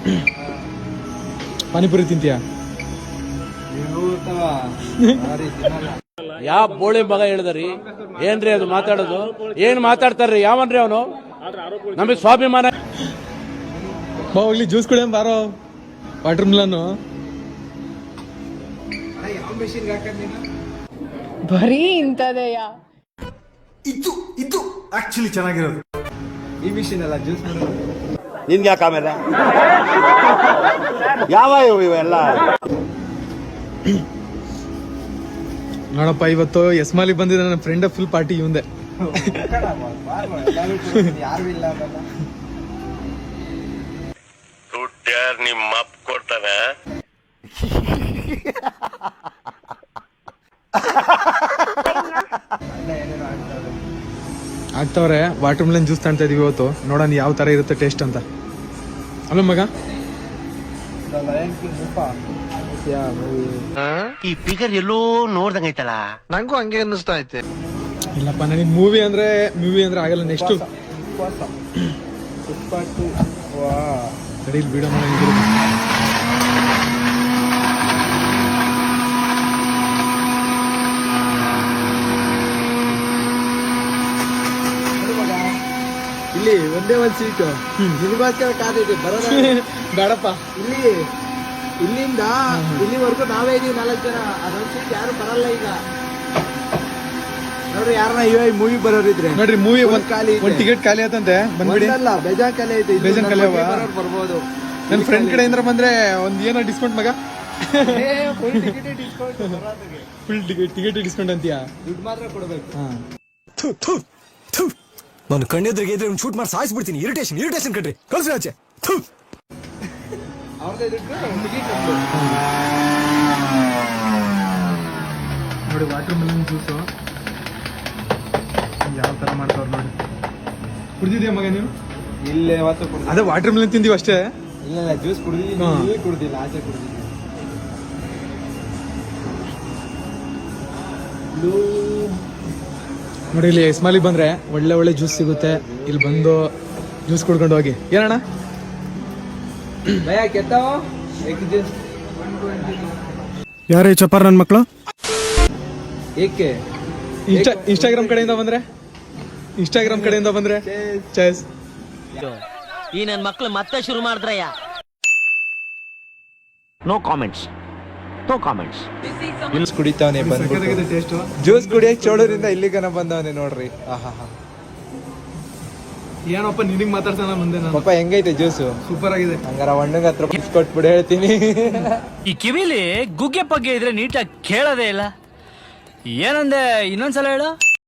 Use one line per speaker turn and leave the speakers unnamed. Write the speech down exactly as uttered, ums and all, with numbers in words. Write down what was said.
ಪಾನಿಪುರಿ ತಿಂತೀಯಾ?
ಯಾವ ಬೋಳಿ ಮಗ ಹೇಳಿದ್ರಿ? ಏನ್ರಿ ಅದು ಮಾತಾಡೋದು? ಏನ್ ಮಾತಾಡ್ತಾರ್ರಿ? ಯಾವನ್ರಿ ಅವನು? ನಮಗೆ ಸ್ವಾಭಿಮಾನ.
ಹೋಗ್ಲಿ ಜ್ಯೂಸ್ ಕುಡಿಯಂ ಬಾರೋ. ವಾಟರ್ ಮಿಲನ್
ಬರೀ ಇಂಥದೆಯ.
ಇದು ಇದು ಆಕ್ಚುಲಿ ಚೆನ್ನಾಗಿರೋದು ಈ ಮಿಷಿನ್ ಅಲ್ಲ ಜ್ಯೂಸ್ ಮಾಡೋದು.
ನಿನ್ಗೆ ಯಾಕೆ ಆಮೇಲೆ ಯಾವ ಇವೆಲ್ಲ
ನೋಡಪ್ಪ, ಇವತ್ತು ಎಸ್ಮಾಲಿ ಬಂದಿದ್ದ ನನ್ನ ಫ್ರೆಂಡ್ ಫುಲ್ ಪಾರ್ಟಿ ಇವಂದೆ.
ಯಾರು ಇಲ್ಲ
ದುಡ್ಡ್ಯಾರ್ ನಿಮ್ಮ ಅಪ್ಪ ಕೊಡ್ತಾನೆ.
ಆಗ್ತಾವ್ರೆ. ವಾಟರ್ ಮಿಲನ್ ಜ್ಯೂಸ್ ತಾಣ್ತಾ ಇದೀವಿ ಇವತ್ತು. ನೋಡೋಣ ಯಾವ ತರ ಇರುತ್ತೆ ಟೇಸ್ಟ್ ಅಂತ. ಅಲ್ಲ ಮಗ,
ಈ ಫಿಗರ್ ಎಲ್ಲೋ ನೋಡ್ದಂಗೈತಲ್ಲ.
ನಂಗೂ ಹಂಗೆ ಅನ್ನಿಸ್ತಾ ಐತೆ.
ಇಲ್ಲಪ್ಪ, ನನಗೆ ಮೂವಿ ಅಂದ್ರೆ ಮೂವಿ ಅಂದ್ರೆ ಆಗಲ್ಲ. ನೆಕ್ಸ್ಟ್ ಕಡೆಯಲ್ಲಿ ಬಿಡೋ
ಇಲ್ಲಿ ಒಂದೇ ಒಂದ್ ಸೀಟು ನಿಮಗೋಸ್ಕರ ಕಾದಿದೆ ಬರೋದ.
ಬೇಡಪ್ಪ,
ಇಲ್ಲಿ ಇಲ್ಲಿಂದ ಇಲ್ಲಿವರೆಗೂ ನಾವೇ ಇದೀವಿ ನಾಲ್ಕು ಜನ. ಅದೊಂದ್ ಸೀಟ್ ಯಾರು ಬರಲ್ಲ ಈಗ. ನೋಡ್ರಿ, ಯಾರನ್ನ ಇವಾಗ ಮೂವಿ ಬರೋರಿದ್ರೆ
ನೋಡ್ರಿ, ಮೂವಿ
ಒಂದ್ ಖಾಲಿ
ಒಂದ್ ಟಿಕೆಟ್ ಖಾಲಿ ಆತಂತೆ. ಬಂದ್ಬಿಡಿ.
ಅಲ್ಲ, ಬೇಜಾನ್ ಖಾಲಿ ಐತೆ.
ಬೇಜಾನ್ ಖಾಲಿ ಅವ.
ಬರ್ಬೋದು.
ನನ್ನ ಫ್ರೆಂಡ್ ಕಡೆಯಿಂದ ಬಂದ್ರೆ ಒಂದ್ ಏನೋ ಡಿಸ್ಕೌಂಟ್ ಮಗ.
Full ticket discount.
Full ticket ticket discount ಅಂತೀಯಾ?
ದುಡ್ಡು ಮಾತ್ರ ಕೊಡ್ಬೇಕು.
ನಾನು ಕಣ್ಣೆದ್ರಿಗೆ ಇದ್ರೆ ಒಂದು ಶೂಟ್ ಮಾಡಿ ಸಾಯಿಸ್ಬಿಡ್ತೀನಿ. ಇರಿಟೇಷನ್ ಇರಿಟೇಷನ್ ಕಣ್ರಿ, ಕಳ್ಸಿ ಆಚೆ.
ಅವ್ರದೇ ದುಡ್ಡು ಟಿಕೆಟ್.
ನೋಡಿ, ವಾಟರ್ ಮಿಲನ್ ಜ್ಯೂಸು ಯಾವ ತರ ಮಾಡ್ತಾವ್ರು ನೋಡಿ. ಕುಡ್ದಿದ್ಯಾ ಮಗ ನೀವು?
ಇಲ್ಲೇ ಯಾವತ್ತು ಕುಡ್ದು.
ಅದೇ ವಾಟರ್ ಮಿಲನ್ ತಿಂದೀವಿ ಅಷ್ಟೇ.
ಇಲ್ಲ ಇಲ್ಲ, ಜ್ಯೂಸ್ ಕುಡ್ದಿದ್ದೀನಿ. ಇಲ್ಲಿ ಕುಡ್ದಿಲ್ಲ, ಆಚೆ ಕುಡ್ದಿದ್ದೀನಿ.
ನೋಡಿ, ಇಲ್ಲಿ ಎಸ್ಮಾಲಿ ಬಂದ್ರೆ ಒಳ್ಳೆ ಒಳ್ಳೆ ಜ್ಯೂಸ್ ಸಿಗುತ್ತೆ. ಇಲ್ಲಿ ಬಂದು ಜ್ಯೂಸ್ ಕುಡ್ಕೊಂಡು ಹೋಗಿ. ಏನಣ್ಣ
ಭಯ ಕೆತ್ತಾವ ಜ್ಯೂಸ್
ಯಾರೇ ಚಪಾರ್ ನನ್ನ ಮಕ್ಕಳು?
ಏಕೆ
ಇನ್ಸ್ಟಾ ಇನ್ಸ್ಟಾಗ್ರಾಮ್ ಕಡೆಯಿಂದ ಬಂದ್ರೆ ಇನ್ಸ್ಟಾಗ್ರಾಮ್ ಕಡೆಯಿಂದ ಬಂದ್ರೆ ಚೇಸ್.
ಈ ನನ್ನ ಮಕ್ಕಳು ಮತ್ತೆ ಶುರು ಮಾಡಿದ್ರಯ್ಯ. No comments, no comments.
Juice ಕುಡಿತಾವನೆ ಬಂದ್ಬಿಟ್ಟು.
ಟೇಸ್ಟ್
ಜ್ಯೂಸ್ ಕುಡಿಯಕ್ ಚೋಳೂರಿಂದ ಇಲ್ಲಿಗನ ಬಂದವನೆ ನೋಡ್ರಿ. ಆಹಾ,
ಏನಪ್ಪ ನಿನಗ್ ಮಾತಾಡ್ತಾನ ಮುಂದೆ ನಾನು.
ಪಾಪ ಹೆಂಗೈತೆ ಜ್ಯೂಸು?
ಸೂಪರ್ ಆಗಿದೆ.
ಹಂಗಾರ ಒಣ್ಣಗೆ ಹತ್ರ ಕೊಟ್ಬಿಡು ಹೇಳ್ತೀನಿ.
ಈ ಕಿವಿಲಿ ಗುಗ್ಗೆ ಪಗ್ಗೆ ಇದ್ರೆ ನೀಟಾಗಿ ಕೇಳೋದೇ ಇಲ್ಲ. ಏನಂದೆ, ಇನ್ನೊಂದ್ಸಲ ಹೇಳು.